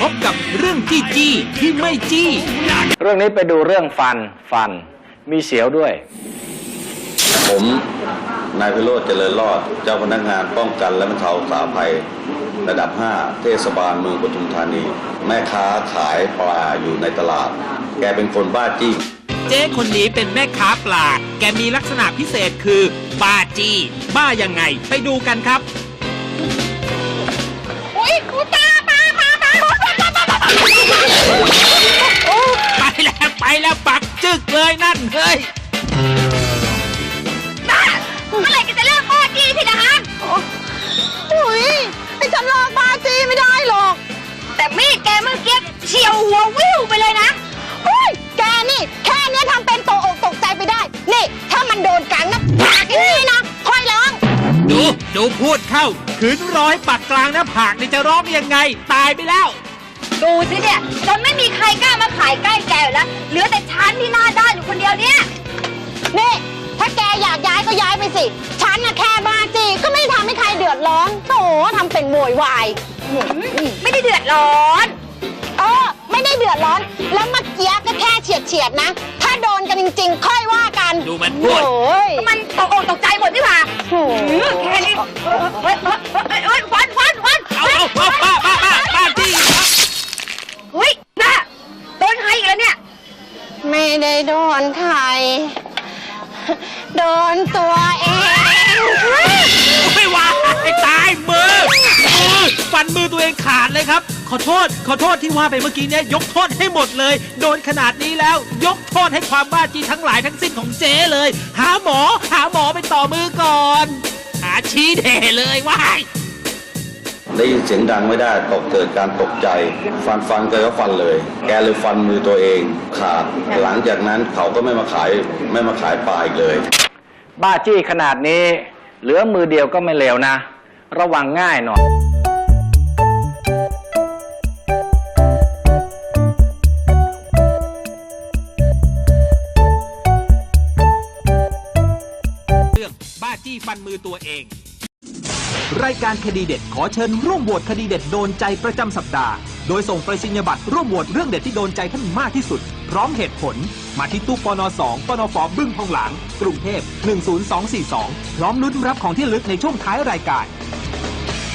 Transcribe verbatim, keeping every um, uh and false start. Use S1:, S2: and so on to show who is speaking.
S1: บกับเรื่องจี้จี้ที่ไม่จี้
S2: เรื่องนี้ไปดูเรื่องฟันฟันมีเสียวด้วย
S3: ผมนายพิโรจน์เจริญรอดเจ้าพนักงานป้องกันและบรรเทาสาธารณภัยระดับห้าเทศบาลเมืองปทุมธานีแม่ค้าขายปลาอยู่ในตลาดแกเป็นคนบ้าจี้
S1: เจ๊คนนี้เป็นแม่ค้าปลาแกมีลักษณะพิเศษคือบ้าจี้บ้ายังไงไปดูกันครับ
S4: อุ้ยกูตาปลาปลาปลา
S1: ไปแล้วไปแล้วปักจึกเลยนั่นเฮ้ย
S4: เมื่อไหร่จะเลิกบ้าจี้ทีละฮะอุ้ยไอ้ฉันเลิกบ้าจี้ไม่ได้หรอกแต่มีดแกเมื่อกี้เฉียวหัววิวไปเลยนะอุ้ยแกนี่แค่นี้ทำเป็นตกอกตกใจไปได้นี่ถ้ามันโดนกันนะปากอย่างนี้นะค่อยร้อง
S1: ดูดูพูดเข้าขืนร้อยปักกลางหน้าผากนี่จะร้องยังไงตายไปแล้ว
S4: ดูสิเนี่ยจนไม่มีใครกล้ามาขายใกล้แกแล้วเหลือแต่ฉันที่หน้าด้านอยู่คนเดียวเนี่ยนี่ถ้าแกอยากย้ายก็ย้ายไปสิฉันน่ะแค่บ้าจี้ก็ไม่ได้ทำให้ใครเดือดร้อนโอ้ทำเป็นโวยวายไม่ได้เดือดร้อนเออไม่ได้เดือดร้อนแล้วเมื่อกี้ก็แค่เฉียดเฉียดนะถ้าโดนกันจริงๆค่อยว่ากัน
S1: ดูมันพูด
S4: มันตกอกตกใจหมดนี่หว่าแค่นี้เฮ้ยเฮ้ยฟันฟันฟัน
S1: เอาเอาเอาป้าป้าป้าป้าจี้
S4: เฮ้ยน่ะโดนใครอีกแล้วเนี่ยไม่ได้โดนใครโดนตัวเอง
S1: ไม่ว่าไอ้ตายมือมือฟันมือตัวเองขาดเลยครับขอโทษขอโทษที่ว่าไปเมื่อกี้เนี่ยยกโทษให้หมดเลยโดนขนาดนี้แล้วยกโทษให้ความบ้าจี้ทั้งหลายทั้งสิ้นของเจ๊เลยหาหมอหาหมอไปต่อมือก่อนหาชี้เด่เลยว้าย
S3: ได้ยินเสียงดังไม่ได้ตกเกิดการตกใจฟันฟันแกก็ฟันเลยแกเลยฟันมือตัวเองขาดหลังจากนั้นเขาก็ไม่มาขายไม่มาขายปลาอีกเลย
S2: บ้าจี้ขนาดนี้เหลือมือเดียวก็ไม่เลวนะระวังง่ายหน่อย
S1: เรื่องบ้าจี้ฟันมือตัวเองรายการคดีเด็ดขอเชิญร่วมโหวตคดีเด็ดโดนใจประจำสัปดาห์โดยส่งไปรษณียบัตรร่วมโหวตเรื่องเด็ดที่โดนใจท่านมากที่สุดพร้อมเหตุผลมาที่ตู้ปนสองปนฟบึ้งทองหลางกรุงเทพหนึ่งศูนย์สองสี่สองพร้อมลุ้นรับของที่ระลึกในช่วงท้ายรายการ